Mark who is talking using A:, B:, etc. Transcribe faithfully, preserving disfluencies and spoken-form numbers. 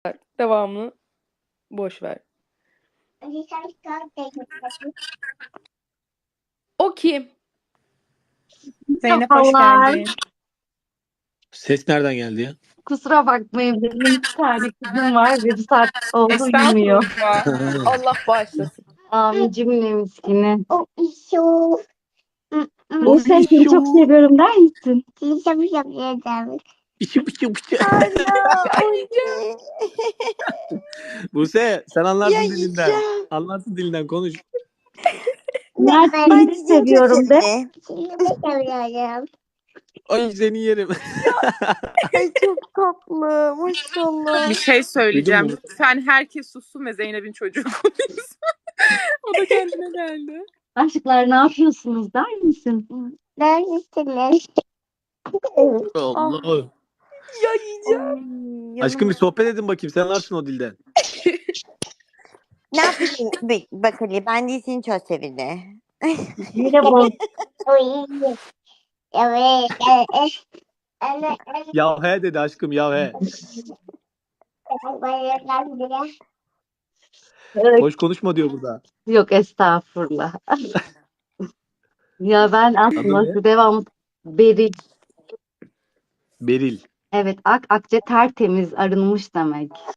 A: Devamını boş ver. O kim?
B: Zeynep hoş
C: Merhabalar.
B: geldin.
D: Ses nereden geldi ya?
C: Kusura bakmayın, benim bir tane kızım var ve bir saat oldu uyumuyor.
B: Estağfurullah.
A: Allah bağışlasın.
C: Amin cümle miskini.
E: O işo.
C: Buse seni çok seviyorum der misin?
E: Seni çok seviyorum.
D: Pişi pişi pişi.
A: Anneciğim.
D: Buse sen anlarsın
E: Ya
D: dilinden.
E: yiyeceğim.
D: Anlarsın dilinden konuş.
C: Mert
E: Ben
C: seni de seviyorum de.
E: Seni de seviyorum.
D: Ay seni yerim.
E: Ay çok tatlı. Maşallah.
B: Bir şey söyleyeceğim.
D: Duydun mu?
B: Lütfen herkes sussun ve Zeynep'in çocuğu konuşsun. O da kendine geldi.
C: Aşklar ne yapıyorsunuz der misin?
E: Neredesiniz?
D: Allah.
A: Ya yiyeceğim.
D: Aşkım bir sohbet edin bakayım. Sen anlarsın o dilden.
E: Ne yapayım? Bak, bak Ali, ben de seni çok sevindim.
C: Merhaba.
D: Ya he dedi aşkım ya he. Boş konuşma diyor burada.
C: Yok estağfurullah. Ya ben
D: Adı
C: aslında
D: ne?
C: devamlı Beril.
D: Beril.
C: Evet, ak akçe tertemiz arınmış demek.